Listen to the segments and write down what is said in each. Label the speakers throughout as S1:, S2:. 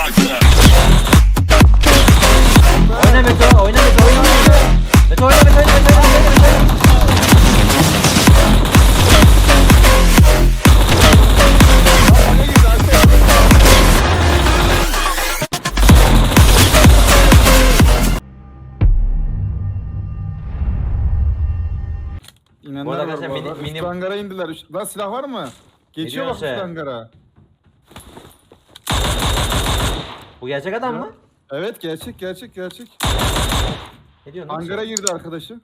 S1: Oyna Meto, oyna Meto, oyna Meto. Meto oyna, Meto oyna, Meto oyna, Meto oyna.
S2: İnenler
S1: Bu arada
S2: var
S1: arkadaşlar
S2: bu arada.
S1: mini-
S2: Üst hangara indiler. Lan silah var mı? Geçiyor bak
S1: diyorsun
S2: üst
S1: sen?
S2: hangara.
S1: Bu gerçek adam mı?
S2: Evet gerçek gerçek gerçek.
S1: Ne diyorsun lan
S2: Hangara
S1: sen?
S2: girdi arkadaşı.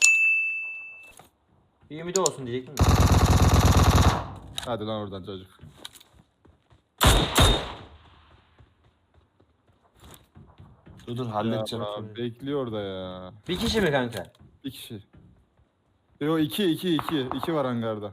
S1: Bir ümidi olsun diyecektim de.
S2: Hadi lan oradan çocuk.
S3: Dur
S2: Ya
S3: halledeceğim.
S2: Allah, bekliyor orada ya.
S1: Bir kişi mi kanka?
S2: Bir kişi. Yo iki var hangarda.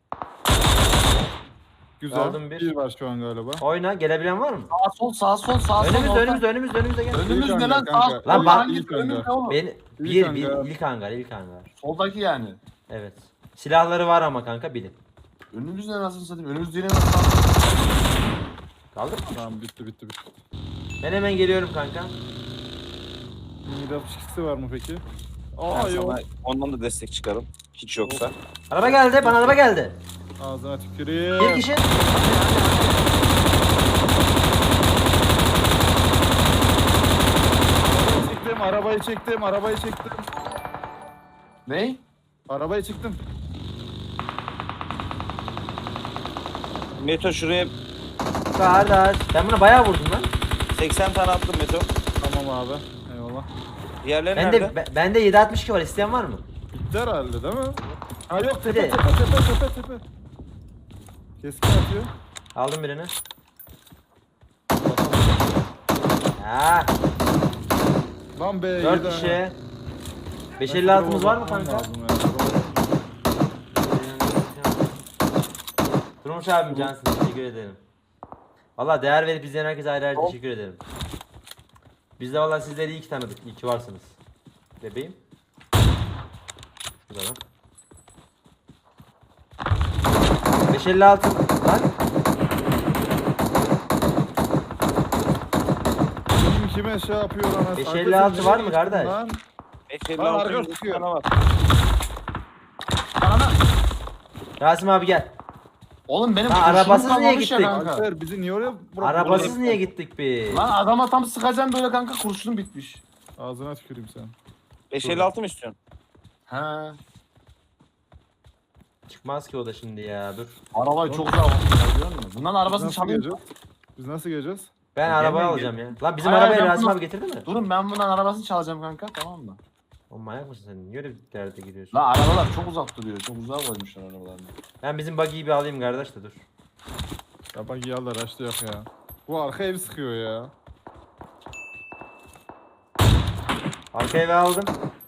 S2: Güzel.
S1: Aldım bir.
S2: Bir var şu an galiba.
S1: Oyna, gelebilen var mı?
S3: Sağ sol sağ sol sağ sol.
S1: Önümüzde,
S3: orta.
S1: önümüzde, önümüzde, önümüzde gel.
S3: Önümüz
S2: İlk
S3: ne lan?
S2: hangar
S3: Sağ
S2: kanka.
S1: Lan bak-
S3: hangi
S2: İlk
S3: önümüzde
S2: hangar.
S3: oğlum?
S1: Ben
S2: İlk hangar.
S1: ilk hangar, ilk hangar.
S3: Soldaki yani.
S1: Evet. Silahları var ama kanka bilin.
S3: Önümüz ne nasıl satayım? Önümüz değil nasıl?
S1: Kaldı mı?
S2: Tamam bitti.
S1: Ben hemen geliyorum kanka.
S2: Mini 62'si var mı peki?
S4: Ben
S2: Aa yok.
S4: sana ondan da destek çıkarım. Hiç yoksa.
S1: Araba geldi, bana araba geldi.
S2: Ağzına tüküreyim.
S1: Bir kişi.
S2: Arabayı çektim.
S3: Ne?
S2: Arabayı çıktım.
S4: Meto şuraya
S1: Kardeş. Ben buna bayağı vurdum lan.
S4: 80 tane attım Meto.
S2: Tamam abi. Eyvallah.
S4: Diğerleri
S1: Bende
S4: nerede?
S1: bende 762 var. İsteyen var mı?
S2: Bitti herhalde değil mi? Ha yok
S1: Hadi.
S2: tepe. Keskin atıyor.
S1: Aldım birini. Ha,
S2: Lan be
S1: 4
S2: yedi
S1: kişi.
S2: ha.
S1: 556'mız var mı
S2: Bakmam
S1: kanka?
S2: lazım ya.
S1: Durmuş abim cansın, teşekkür ederim. Valla değer verip izleyen herkese ayrı ayrı teşekkür ederim. Biz de valla sizleri iyi ki tanıdık, iyi ki varsınız. Bebeğim. Şurada lan. 556 lan.
S2: Kime şey yapıyor lan?
S1: 556 var mı kardeş?
S2: Lan.
S4: 556
S2: arka
S4: 100
S2: sıkıyor.
S4: tane var.
S3: Ana.
S1: Rasim abi gel.
S3: Oğlum benim
S1: Lan
S3: kurşunum
S1: arabasız niye
S3: kalmamış ya
S1: gittik?
S3: kanka.
S2: Alper bizi niye oraya
S1: Arabasız niye gittik biz?
S3: Lan adama tam sıkacağım böyle kanka kurşunum bitmiş.
S2: Ağzına tüküreyim sen.
S4: 556 mı istiyorsun?
S3: He.
S1: Çıkmaz ki o da şimdi ya, dur.
S3: Arabayı çok güzel yapmışlar biliyor musun? Bundan arabasını çalayım.
S2: Biz nasıl geleceğiz?
S1: Ben
S4: Gelmeyin,
S1: arabayı
S4: gel.
S1: alacağım ya. Lan bizim
S3: Hayır,
S1: arabayı
S3: ben
S1: Rasim
S3: bunu-
S1: abi getirdi mi?
S3: Durun ben bundan arabasını çalacağım kanka tamam mı?
S1: Oğlum manyak mısın sen? Niye öyle bir derde giriyorsun?
S3: La arabalar çok uzak duruyor. Çok uzağa koymuşlar arabalarını.
S1: Ben bizim buggy'yi bir alayım kardeş de dur.
S2: Ya bak yallah açtı yok ya. Bu arka ev sıkıyor ya.
S1: Arka eve aldım.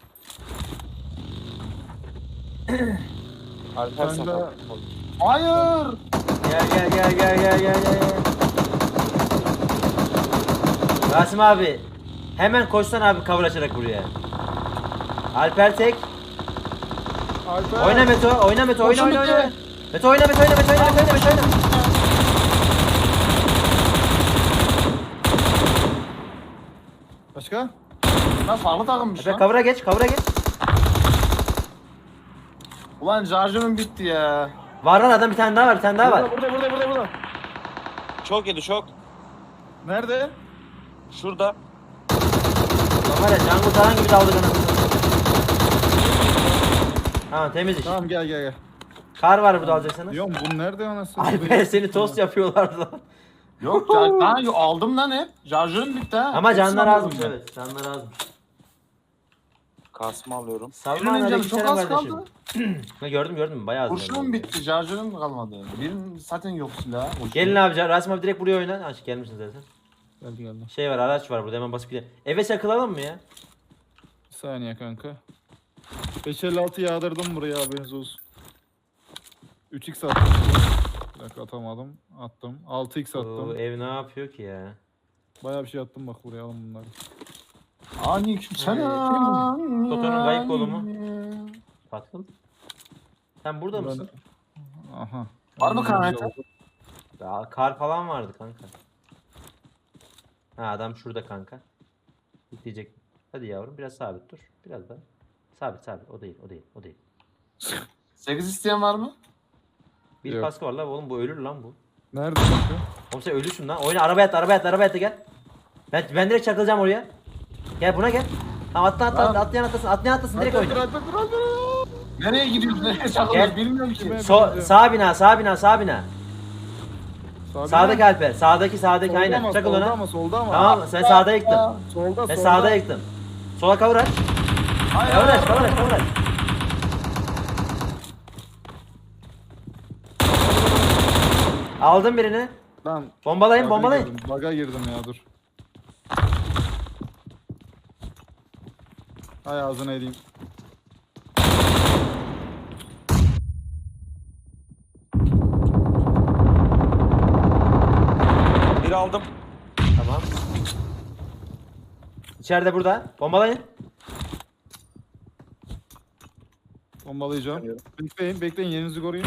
S4: Alper
S2: Ben
S4: sakat.
S2: de
S3: Hayır.
S1: Gel. Rasim abi. Hemen koşsan abi cover açarak buraya. Alper tek.
S2: Alper.
S1: Oyna Meto, oyna Meto, oyna.
S3: Koşun bitti.
S1: Meto oyna.
S2: Başka?
S3: Lan farklı takılmış
S1: Alper
S3: lan.
S1: cover'a geç.
S3: Ulan şarjımın bitti ya.
S1: Var adam bir tane daha var.
S2: Burada.
S4: Çok yedi çok.
S2: Nerede?
S4: Şurada.
S1: Lan var ya can kurtaran gibi daldık anasını. Tamam temiz iş.
S2: Tamam gel.
S1: Kar var burada alacaksanız.
S2: Diyorum bu nerede anasını?
S1: Alper seni tost yapıyorlardı lan.
S3: Yok lan aldım lan hep. Şarjörüm bitti ha.
S1: Ama
S3: Hepsini
S1: canlar
S3: aldım
S1: azmış
S3: ben.
S1: evet. Canlar azmış.
S4: Kasma alıyorum.
S1: Salman
S3: Birinin canı
S1: aleyküm
S3: çok
S1: selam
S3: az
S1: kardeşim.
S3: kaldı.
S1: Ha, gördüm bayağı az.
S3: Kurşunum bitti. Şarjörüm kalmadı. Birinin zaten yok silah. Kurşun.
S1: Gelin abi Rasim abi direkt buraya oyna. Aç gelmişsin zaten.
S2: Geldi.
S1: Şey var araç var burada hemen basıp gidelim. Eve çakılalım mı ya?
S2: Bir saniye kanka. 556 yağdırdım buraya haberiniz olsun. 3x attım. Bir dakika atamadım. Attım. 6x
S1: Oo,
S2: attım.
S1: ev ne yapıyor ki ya?
S2: Bayağı bir şey attım bak buraya alın bunları.
S3: Aleykümselam.
S1: Toto'nun kayıp kolu mu? Patron. Sen burada
S2: Buradan-
S1: mısın?
S2: Aha.
S3: Var mı kanka?
S1: Ya, kar falan vardı kanka. Ha adam şurada kanka. Bekleyecek. Hadi yavrum biraz sabit dur. Biraz daha. Sabit sabit. O değil o değil o değil.
S3: 8 isteyen var mı?
S1: Bir
S2: Yok.
S1: kaskı var lan oğlum bu ölür lan bu.
S2: Nerede kanka?
S1: Oğlum sen ölürsün lan. Oyna arabaya at arabaya at arabaya at gel. Ben direkt çakılacağım oraya. Gel buna gel. Tamam atlayan atlasın atlayan atlasın direkt oyna.
S3: Nereye gidiyoruz? Nereye çakılıyoruz?
S1: Gel.
S3: Bilmiyorum ki.
S1: Sağ bina sağ bina sağ bina.
S2: Sağda
S1: Sağdaki Alper. Sağdaki aynen. Çakıl
S2: Solda
S1: ona.
S2: ama solda ama.
S1: Tamam sen sağda yıktın.
S2: Solda
S1: Ben
S2: solda.
S1: sağda yıktım. Sola kavur aç.
S3: Hayır,
S1: Kavur aç
S3: hayır,
S1: kavur aç kavur aç. Aldım birini.
S2: Lan.
S1: Bombalayın
S2: baga
S1: bombalayın.
S2: girdim, Baga girdim ya dur. Hay ağzına edeyim.
S4: Bir aldım.
S1: Tamam. İçeride burada. Bombalayın.
S2: Bombalayacağım. Bekleyin bekleyin yerinizi koruyun.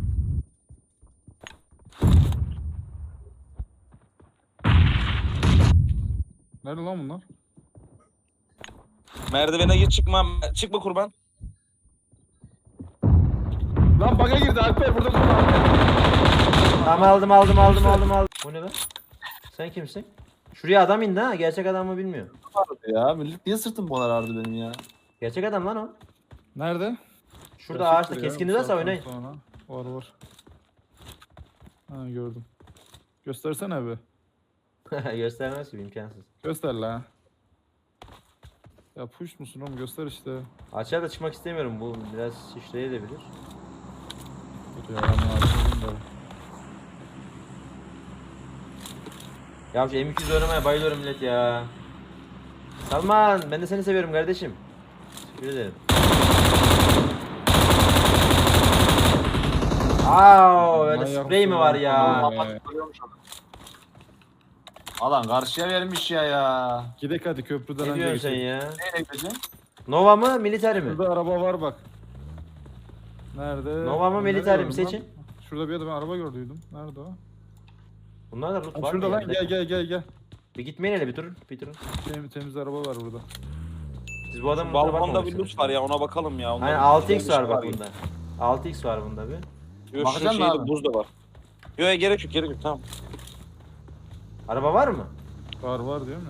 S2: Nerede lan bunlar?
S4: Merdivene git çıkma. Çıkma kurban.
S2: Lan baga girdi Alper burada dur Alper.
S1: Tamam aldım. Bu ne be? Sen kimsin? Şuraya adam indi ha. Gerçek adam mı bilmiyorum.
S3: Ya millet niye sırtım bu kadar ağrıdı benim ya?
S1: Gerçek adam lan o.
S2: Nerede?
S1: Şurada
S2: Gerçektir
S1: ağaçta
S2: ya,
S1: keskinliği
S2: bu
S1: varsa
S2: saatten
S1: oynayın.
S2: sonra. Var. Ha gördüm. Göstersene be.
S1: Göstermez gibi imkansız.
S2: Göster la. Ya push musun oğlum göster işte.
S1: Açığa da çıkmak istemiyorum. Bu biraz şişleyebilir.
S2: Dur ya ben bunu açayım da.
S1: Ya şu M200 oynamaya bayılıyorum millet ya. Salman ben de seni seviyorum kardeşim. Teşekkür ederim. Aa, öyle
S2: Manyak
S1: sprey mi
S2: mısın
S1: var
S2: lan?
S1: ya?
S2: Tamam.
S3: Kapatıp duruyormuş adam. Alan karşıya vermiş ya.
S2: Gidek hadi köprüden
S1: Ne
S2: önce
S1: diyorsun sen
S2: geçelim.
S1: ya?
S3: Nereye gideceğim?
S1: Nova mı military mi?
S2: Şurada araba var bak. Nerede?
S1: Nova mı
S2: Nerede
S1: military mi
S2: gördüm lan?
S1: seçin.
S2: Şurada bir yerde ben araba gördüydüm. Nerede o?
S1: Bunlar da loot
S2: Ha,
S1: var mı
S2: şurada lan
S1: ya?
S2: gel.
S1: Bir gitmeyin hele bir durun. Bir durun.
S2: Temiz araba var burada.
S1: Siz bu adamın lootuna
S4: Balkonda bir
S1: bakmamışsınız.
S4: loot var ya ona bakalım ya. Onda
S1: Aynen
S4: bir
S1: 6x var bak
S4: ya.
S1: bunda. 6x var bunda bir.
S4: Yok, şu
S3: Bakacaksın
S4: şeyde
S3: abi.
S4: buz da var. Yok gerek yok tamam.
S1: Araba var mı?
S2: Var diyor mu?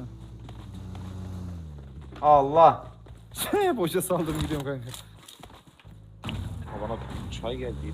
S1: Allah.
S2: Boşa saldım gidiyorum kanka.
S4: Ha, bana çay geldiydi.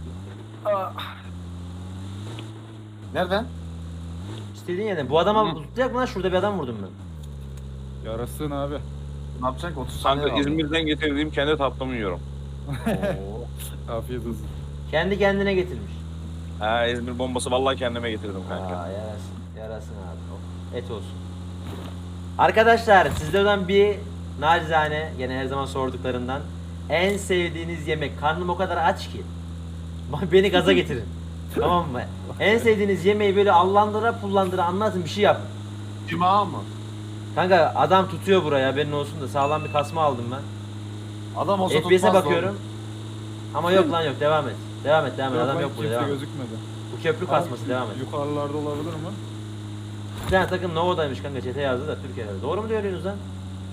S3: Nereden?
S1: İstediğin yerden. Bu adama
S3: Hı.
S1: tutacak mı lan? Şurada bir adam vurdum ben.
S2: Yarasın abi.
S3: Ne yapacaksın ki? 30 saniye
S4: Kanka
S3: kaldı.
S4: İzmir'den getirdiğim kendi tatlımı yiyorum.
S1: Oo.
S2: Afiyet olsun.
S1: Kendi kendine getirmiş.
S4: Ha İzmir bombası vallahi kendime getirdim kanka.
S1: Aa, yarasın abi. Oh, et olsun. Arkadaşlar sizlerden bir nacizane gene her zaman sorduklarından en sevdiğiniz yemek. Karnım o kadar aç ki. Beni gaza getirin. Tamam mı? En sevdiğiniz yemeği böyle allandıra pullandıra anlatın bir şey yapın.
S3: Cuma mı?
S1: Kanka adam tutuyor buraya haberin olsun da sağlam bir kasma aldım ben.
S3: Adam olsa
S1: FPS'e
S3: tutmaz
S1: bakıyorum. Ama yok lan yok devam et. Devam et
S2: Yok
S1: adam
S2: lan,
S1: yok burada
S2: kimse
S1: devam et.
S2: gözükmedi.
S1: Bu köprü kasması devam et.
S2: Yukarılarda olabilir mi?
S1: Bir tane takım Nova'daymış kanka çete yazdı da Türkiye'de. Doğru mu diyorsunuz lan?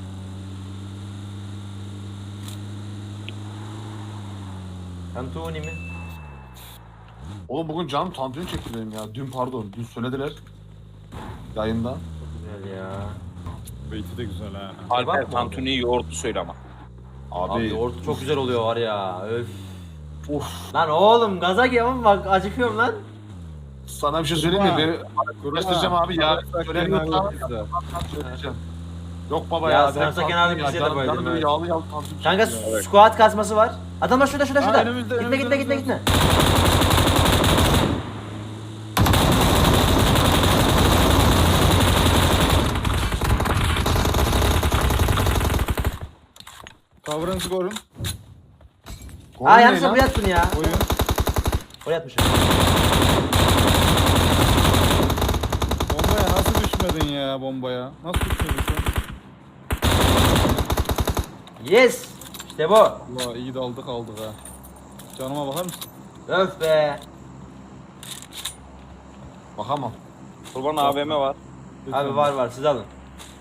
S1: Tantuni mi?
S3: Oğlum bugün canım tantuni çekti benim ya. Dün söylediler. Yayında.
S1: Çok güzel ya.
S2: Beyti de güzel ha.
S4: Alper
S1: bakma
S4: tantuni yoğurtlu söyle ama.
S1: Abi yoğurt çok güzel oluyor var ya. Öf.
S3: Of.
S1: Lan oğlum gaza geliyorum bak acıkıyorum lan.
S3: Sana bir şey söyleyeyim mi?
S2: Kurban.
S3: Araştıracağım abi ya.
S2: Sarımsak
S3: Söylemiyor
S2: kenarlı
S3: tamam.
S2: pizza.
S3: Söyleyeceğim. Yok baba
S1: Ya
S3: ya.
S1: sarımsak
S3: direkt
S1: kenarlı
S3: tantuni ya.
S1: pizzaya da
S3: Canım-
S1: bayıldım,
S3: canım böyle
S1: evet.
S3: Yağlı tantuni
S1: Kanka
S3: çekti ya.
S1: squat kasması var. Adamlar şurada.
S2: Ha, önümüzde,
S1: Gitme
S2: önümüzde.
S1: gitme.
S2: Kavrağınızı korun.
S3: Korun
S1: Aa
S3: ne
S1: yanlışlıkla
S3: lan?
S1: buraya attın ya.
S2: Koyun.
S1: Oraya atmışım.
S2: Bombaya nasıl düşmedin ya bombaya? Nasıl düşmedin sen?
S1: Yes. İşte bu.
S2: Allah iyi daldık aldık ha. Canıma bakar mısın?
S1: Öf be.
S3: Bakamam.
S4: Kurban AVM var.
S1: Abi var siz alın.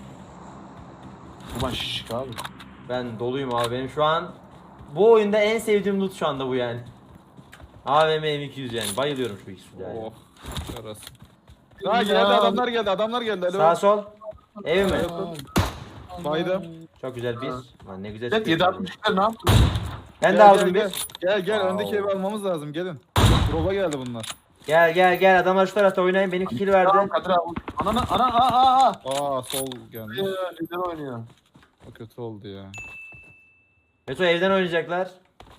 S3: Ulan şişik abi.
S1: Ben doluyum abi. Benim şu an bu oyunda en sevdiğim loot şu anda bu yani. AVM M200 yani. Bayılıyorum şu ikisi yani.
S2: Oh. Yarasın. Ha geldi adamlar geldi. Alo.
S1: Sağ sol. Ev mi?
S2: Baydım.
S1: Çok güzel bir. Lan ne güzel.
S3: Evet
S1: çıkıyor.
S3: 7.62'ler ne yaptın?
S1: Ben de
S2: Gel,
S1: aldım
S2: gel,
S1: bir.
S2: Gel
S3: Wow.
S2: öndeki evi almamız lazım gelin. Drop'a geldi bunlar.
S1: Gel adamlar şu tarafta oynayın. Benimki kill
S3: Tamam
S1: verdi.
S3: Kadir abi. Ana.
S2: Aa sol gelmiş.
S3: Lider oynuyor.
S2: O kötü oldu ya.
S1: Meto evden oynayacaklar.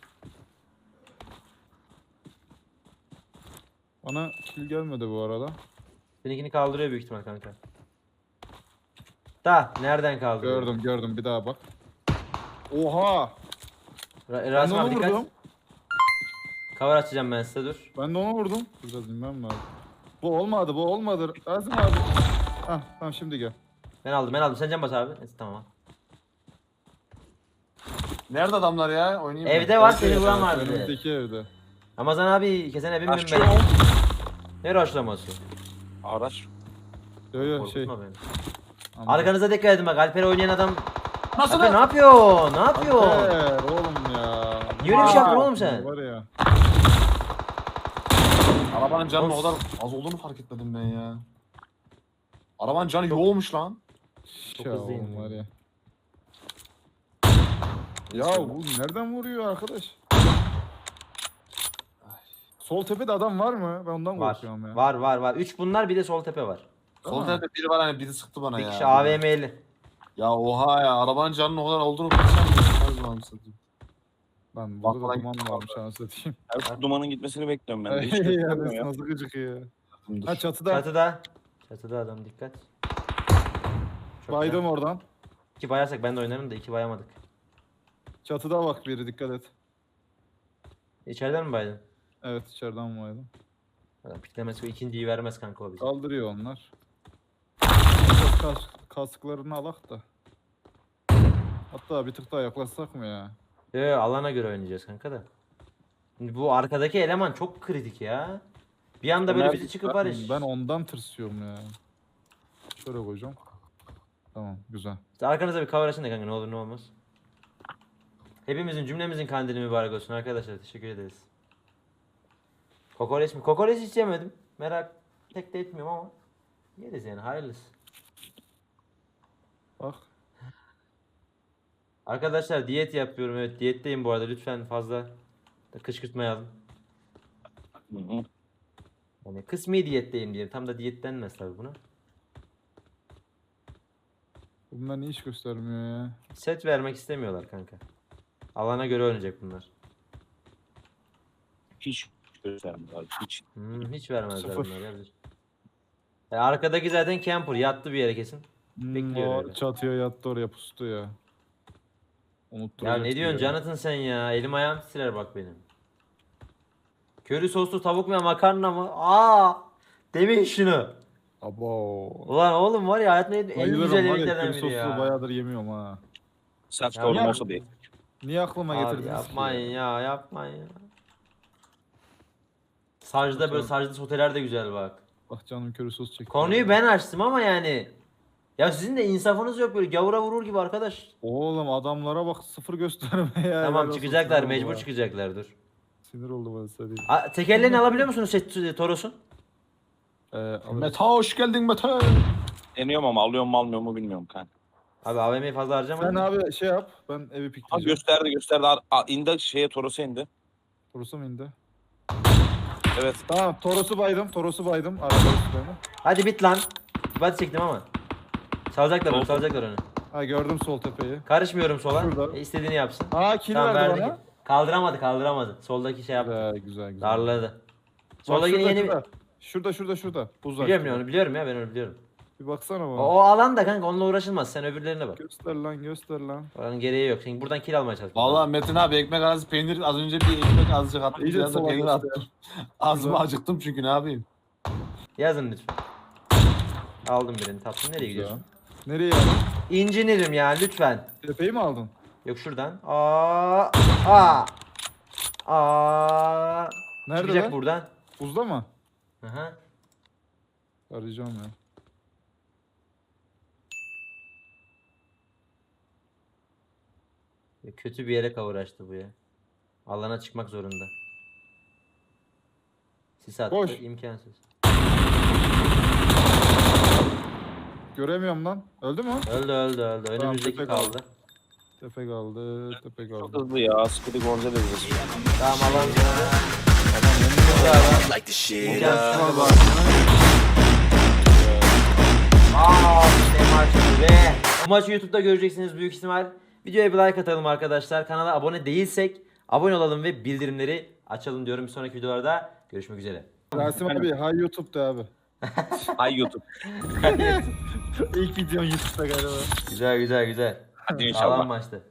S2: Bana kill gelmedi bu arada.
S1: Seninkini kaldırıyor büyük ihtimal kanka. Da nereden kaldırıyor?
S2: Gördüm bir daha bak. Oha! Ben de
S1: Rasim
S2: onu
S1: abi dikkat.
S2: vurdum.
S1: Cover açacağım ben size dur.
S2: Ben de onu vurdum. Biraz inmem lazım. Bu olmadı. Azim abi. Hah tamam şimdi gel.
S1: Ben aldım. Sen can bas abi. Neyse, tamam.
S3: Nerede adamlar ya? Oynayayım mı?
S1: Evde var seni
S2: Evet,
S1: vuran vardı.
S2: önümüzdeki evde.
S1: Ramazan abi kesene binmem
S4: Aşçı
S1: ben.
S4: ol.
S1: Ne rushlaması?
S4: Araç.
S2: Yo şey.
S1: Korkutma beni.
S2: Anladım.
S1: Arkanıza dikkat edin bak. Alper oynayan adam.
S3: Nasıl
S1: Alper ne
S3: lan?
S1: yapıyor? Ne yapıyor?
S2: Alper, oğlum ya.
S1: Niye öyle bir şey yaptın
S2: Aa,
S1: oğlum sen?
S2: Var ya.
S3: Arabanın canının o
S1: Of.
S3: kadar az olduğunu fark etmedim ben ya. Arabanın canı yoğumuş lan.
S1: Çok
S2: Ya
S1: hızlıyım
S2: oğlum
S1: ya.
S2: var ya. Ya bu nereden vuruyor arkadaş? Sol tepede adam var mı? Ben ondan
S1: Var.
S2: korkuyorum ya.
S1: Var. 3 bunlar bir de sol tepe var.
S3: Sol
S2: Aa.
S3: tarafa biri var hani biri sıktı bana
S1: Bir
S3: ya.
S1: kişi AVM'li.
S3: Ya oha ya arabanın canının o kadar olduğunu bilsem.
S2: Lan
S3: Bak
S2: burada
S3: lan,
S2: duman varmış anasını satayım.
S4: Ya şu dumanın gitmesini bekliyorum ben de. Hiç
S2: Ya
S4: göstermiyor ya.
S2: nasıl gıcık ya.
S3: Dur.
S2: Ha çatıda.
S1: Çatıda adam dikkat. Çok
S2: Baydım
S1: güzel.
S2: oradan.
S1: 2 bayarsak ben de oynarım da 2 bayamadık.
S2: Çatıda bak biri dikkat et.
S1: İçeriden mi baydın?
S2: Evet içeriden baydım.
S1: Adam piklemesi o ikinciyi vermez kanka o bize.
S2: Kaldırıyor onlar. Biraz kasklarını alak da. Hatta bir tık daha yaklaşsak mı ya?
S1: Alana göre oynayacağız kanka da. Şimdi bu arkadaki eleman çok kritik ya. Bir anda böyle bizi çıkıp barış.
S2: Ben ondan tırsıyorum ya. Şöyle koyacağım. Tamam güzel.
S1: İşte arkanıza bir cover açın da kanka ne olur ne olmaz. Hepimizin cümlemizin kandili mübarek olsun arkadaşlar. Teşekkür ederiz. Kokoreç mi? Kokoreç hiç yemedim. Merak pek de etmiyorum ama yeriz yani hayırlısı.
S2: Bak.
S1: Arkadaşlar diyet yapıyorum, evet diyetteyim bu arada, lütfen fazla da kışkırtmayalım.
S4: Hı hı.
S1: Yani kısmi diyetteyim diyelim, tam da diyet denmez tabi buna.
S2: Bunlar niye iş göstermiyor ya?
S1: Set vermek istemiyorlar kanka. Alana göre oynayacak bunlar.
S4: Hiç göstermiyor. Hiç.
S1: Hiç vermezler
S2: Sıfır.
S1: bunlar ya. Arkadaki zaten camper yattı bir yere kesin. Bekliyor
S2: O
S1: öyle.
S2: çatıya yattı oraya pustu ya.
S1: Ya
S2: Unutturacak
S1: ne diyorsun
S2: gibi ya.
S1: Jonathan sen ya? Elim ayağım titrer bak benim. Köri soslu tavuk mu ya makarna mı? Demeyin şunu.
S2: Abo.
S1: Ulan oğlum var ya hayatımda yediğim en
S2: Bayılırım
S1: güzel
S2: var ya
S1: yemeklerden
S2: köri
S1: biri
S2: soslu
S1: ya.
S2: bayağıdır yemiyorum ha.
S4: Self
S1: Ya
S4: store'um
S1: ya-
S4: olsa değil.
S2: Niye aklıma
S1: Abi
S2: getirdiniz
S1: yapmayın
S2: ki?
S1: ya yapmayın ya. Sarcıda böyle
S2: Bakalım.
S1: sarcıda soteler de güzel bak.
S2: Bak canım köri sos çekti.
S1: Konuyu ben açtım ama yani. Ya sizin de insafınız yok, böyle gavura vurur gibi arkadaş.
S2: Oğlum adamlara bak sıfır gösterme ya. Helal
S1: Tamam
S2: olsun,
S1: çıkacaklar,
S2: sinir
S1: mecbur
S2: oldu ha.
S1: çıkacaklar dur.
S2: Sinir oldu bana söyleyeyim.
S1: Tekerleğini alabiliyor musunuz Toros'un?
S2: Alırız.
S3: Meta hoş geldin Meta.
S4: Deniyorum ama alıyor mu almıyor mu bilmiyorum kanka.
S1: Abi AVM'yi fazla harcamayın.
S2: Sen abi şey yap ben evi
S4: Ha
S2: pikleyeceğim.
S4: gösterdi. İndi şeye Toros'a indi.
S2: Toros'u mu indi?
S4: Evet.
S2: Tamam Toros'u baydım. Araba üstlerine.
S1: Hadi bit lan. Bat çektim ama. Salacaklar onu,
S4: Olsun.
S1: salacaklar onu.
S2: Ha gördüm sol tepeyi.
S1: Karışmıyorum sola.
S2: Şurada.
S1: İstediğini yapsın.
S2: Aa kill
S1: Tamam
S2: verdi
S1: verdi.
S2: bana.
S1: Kaldıramadı. Soldaki şey yaptı.
S2: Güzel.
S1: Darladı.
S2: Bak
S1: Soldaki
S2: şurada,
S1: yeni
S2: şurada. Buz
S1: biliyorum ya
S2: açtı.
S1: onu biliyorum ya, ben onu biliyorum.
S2: Bir baksana bana.
S1: O alan da kanka onunla uğraşılmaz. Sen öbürlerine bak.
S2: Göster lan.
S1: Oranın gereği yok. Şimdi buradan kill almaya çalış.
S3: Vallahi Metin abi ekmek arası peynir az önce bir ekmek azıcık attım.
S2: İyice
S3: Biraz da
S2: sola
S3: peynir
S2: göster.
S3: attım. Ağzıma acıktım çünkü ne yapayım.
S1: Yazın lütfen. Aldım birini, tatlım. Nereye gidiyorsun?
S2: Nereye aldın?
S1: İncinirim ya lütfen.
S2: Tepeyi mi aldın?
S1: Yok şuradan.
S2: Nerede
S1: Çıkacak
S2: lan?
S1: buradan.
S2: Buzda mı?
S1: Aha.
S2: Arayacağım ya.
S1: Kötü bir yere kavuraştı bu ya. Alana çıkmak zorunda. Sis attı,
S2: Boş.
S1: imkansız.
S2: Göremiyorum lan. Öldü mü?
S1: Öldü. Önümüzdeki
S2: tepe
S1: kaldı.
S2: Tepe kaldı. Tepe
S4: Çok
S2: kaldı.
S4: hızlı ya. Speedy Gonzalez hızlı.
S1: Tamam alan döndü. Adam önümüzde adam. İmkansız bu. Ne maçtı be. Bu maçı YouTube'da göreceksiniz büyük ihtimal. Videoya bir like atalım arkadaşlar. Kanala abone değilsek abone olalım ve bildirimleri açalım diyorum. Bir sonraki videolarda görüşmek üzere.
S2: Rasim abi hay YouTube'da abi.
S4: Hay YouTube.
S2: İlk videon YouTube'da galiba.
S1: Güzel.
S4: Hadi
S1: Sağlam
S4: inşallah.
S1: maçtı.